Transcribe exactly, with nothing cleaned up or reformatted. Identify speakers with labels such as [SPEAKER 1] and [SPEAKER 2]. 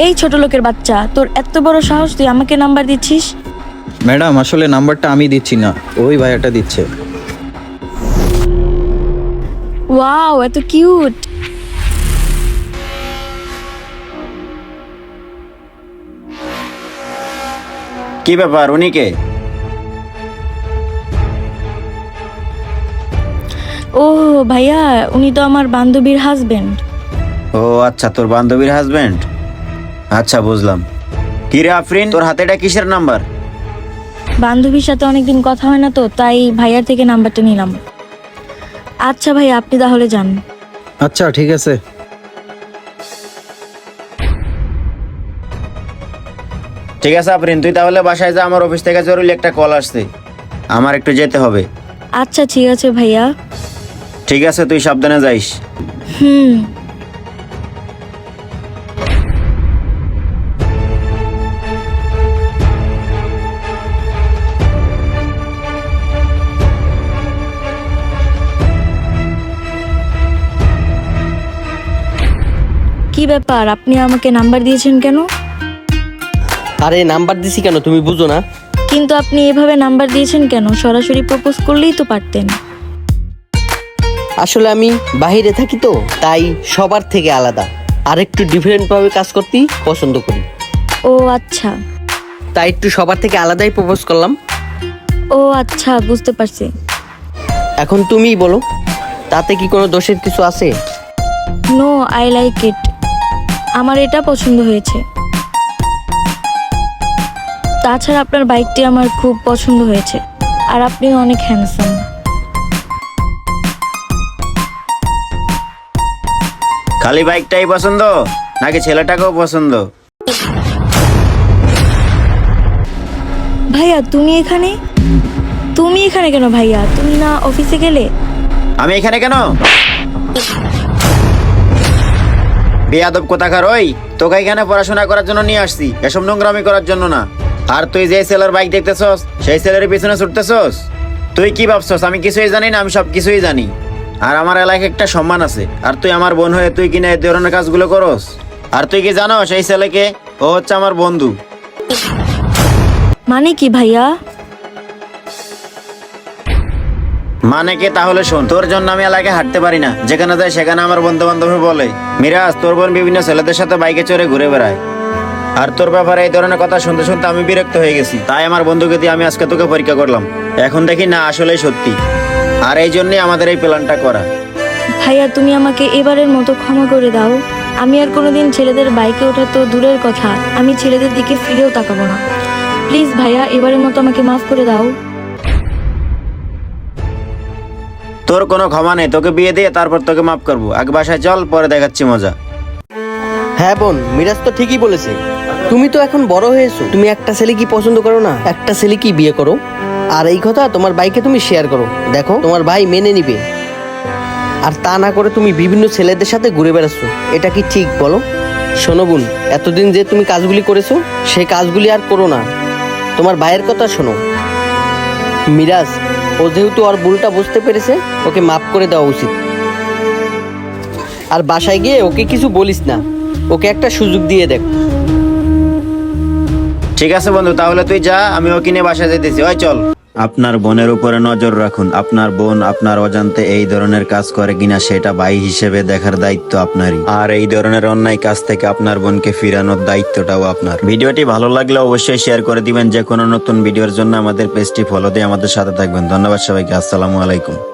[SPEAKER 1] এই ছোট লোকের বাচ্চা, তোর এত বড় সাহস, তুই আমাকে নাম্বার দিচ্ছিস?
[SPEAKER 2] ম্যাডাম আসলে নাম্বারটা আমি দিচ্ছি না, ওই ভাইয়াটা দিচ্ছে।
[SPEAKER 1] ওয়াও, এত কিউট।
[SPEAKER 3] কি ব্যাপার, উনি কে?
[SPEAKER 1] ও ভাইয়া, উনি তো আমার বান্ধবীর হাজবেন্ড।
[SPEAKER 3] ও আচ্ছা, তোর বান্ধবীর হাজবেন্ড। আচ্ছা বুঝলাম। কি রে আফরিন, তোর হাতে এটা কিসের নাম্বার?
[SPEAKER 1] বান্ধবীর সাথে অনেকদিন কথা হয় না তো, তাই ভাইয়ার থেকে নাম্বারটা নিলাম। আচ্ছা ভাই, আপনি তাহলে যান।
[SPEAKER 2] আচ্ছা ঠিক আছে।
[SPEAKER 3] ঠিক আছে আফরিন, তুই তাহলে বাসায় যা, আমার অফিস থেকে জরুরি একটা কল আসছে, আমার একটু যেতে হবে।
[SPEAKER 1] আচ্ছা ঠিক আছে ভাইয়া।
[SPEAKER 3] ঠিক আছে, তুই সাবধানে যাইস।
[SPEAKER 1] হুম। কি ব্যাপার, আপনি আমাকে নাম্বার দিয়েছেন কেন?
[SPEAKER 4] আরে নাম্বার দিছি কেন তুমি বুঝো না?
[SPEAKER 1] কিন্তু আপনি এভাবে নাম্বার দিয়েছেন কেন? সরাসরি প্রপোজ করলেই তো পারতেন।
[SPEAKER 4] আসলে আমি বাইরে থাকি তো, তাই সবার থেকে আলাদা আর একটু ডিফারেন্ট ভাবে কাজ করতেই পছন্দ করি।
[SPEAKER 1] ও আচ্ছা।
[SPEAKER 4] তাই একটু সবার থেকে আলাদাই প্রপোজ করলাম।
[SPEAKER 1] ও আচ্ছা, বুঝতে পারছি।
[SPEAKER 4] এখন তুমিই বলো, তাতে কি কোনো দোষের কিছু আছে?
[SPEAKER 1] No, I like it. আমার এটা পছন্দ হয়েছে। তাছাড়া আপনার বাইকটি আমার খুব পছন্দ হয়েছে, আর আপনি অনেক হ্যান্ডসাম।
[SPEAKER 3] খালি বাইকটাই পছন্দ নাকি ছেলেটাকেও পছন্দ?
[SPEAKER 1] ভাইয়া তুমি এখানে? তুমি এখানে কেন ভাইয়া? তুমি না অফিসে গেলে?
[SPEAKER 3] আমি এখানে কেন? বেয়াদব কোথাকার, ওই তোকে এখানে পড়াশোনা করার জন্য নিয়ে আসছি, এসব নোংরামি করার জন্য না। আর তুই যে ছেলের বাইক দেখতেছস, সেই ছেলের পিছনে ছুটতেছস। তুই কি ভাবছস আমি কিছুই জানি না? আমি সব কিছুই জানি। আর আমার এলাকায় একটা সম্মান আছে, আর তুই আমার বোন হয়ে তুই কিনা এই ধরনের কাজগুলো করস? আর তুই কি জানো সেই ছেলেকে? ও হচ্ছে আমার বন্ধু।
[SPEAKER 1] মানে কি ভাইয়া?
[SPEAKER 3] মানে কি তাহলে শোন, তোর জন্য আমি এলাকায় হাঁটতে পারি না, যেখানে যাই সেখানে আমার বন্ধু বান্ধব বলে মিরাজ তোর বোন বিভিন্ন ছেলেদের সাথে বাইকে চড়ে ঘুরে বেড়ায়। আর তোর ব্যাপারে এই ধরনের কথা শুনতে শুনতে আমি বিরক্ত হয়ে গেছি, তাই আমার বন্ধুকে দিয়ে আমি আজকে তোকে পরীক্ষা করলাম। এখন দেখি না আসলেই সত্যি, আর এই জন্যই আমাদের এই প্ল্যানটা করা।
[SPEAKER 1] ভাইয়া তুমি আমাকে এবারের মতো ক্ষমা করে দাও। আমি আর কোনোদিন ছেলেদের বাইকে ওঠা তো দূরের কথা, আমি ছেলেদের দিকে ফিরেও তাকাবো না। প্লিজ ভাইয়া, এবারের মতো আমাকে মাফ করে দাও।
[SPEAKER 3] তোর কোনো ক্ষমা নেই, তোকে বিয়ে দিয়ে তারপর তোকে মাফ করবো। আগে বাসায় চল, পরে দেখাচ্ছি মজা।
[SPEAKER 4] হ্যাঁ বোন, মিরাজ তো ঠিকই বলেছে। তুমি তো এখন বড় হয়েছো, তুমি একটা ছেলে কি পছন্দ করো না? একটা ছেলে কি বিয়ে করো। আর এই কথা তোমার ভাইকে তুমি শেয়ার করো, দেখো তোমার ভাই মেনে নিবে। আর তা না করে তুমি বিভিন্ন ছেলেদের সাথে ঘুরে বেড়াচ্ছ, এটা কি ঠিক বলো? শোনো বোন, এতদিন যে তুমি কাজগুলি করেছো সেই কাজগুলি আর করো না। তোমার ভাইয়ের কথা শোনো। মিরাজ, ও যেহেতু ওর ভুলটা বুঝতে পেরেছে, ওকে মাফ করে দেওয়া উচিত। আর বাসায় গিয়ে ওকে কিছু বলিস না, ওকে একটা সুযোগ দিয়ে দেখ।
[SPEAKER 3] ঠিক আছে বন্ধু, তাহলে তুই যা, আমি ওকে নিয়ে বাসায় যেতেছি। ওই চল। আপনার বোনের উপরে নজর রাখুন। আপনার বোন আপনার অজান্তে এই ধরনের কাজ করে কিনা সেটা ভাই হিসেবে দেখার দায়িত্ব আপনারই। আর এই ধরনের অন্যায় কাজ থেকে আপনার বোনকে ফিরানোর দায়িত্বটাও আপনার। ভিডিওটি ভালো লাগলে অবশ্যই শেয়ার করে দিবেন। যে কোনো নতুন ভিডিওর জন্য আমাদের পেজটি ফলো দিয়ে আমাদের সাথে থাকবেন। ধন্যবাদ সবাইকে। আসসালামু আলাইকুম।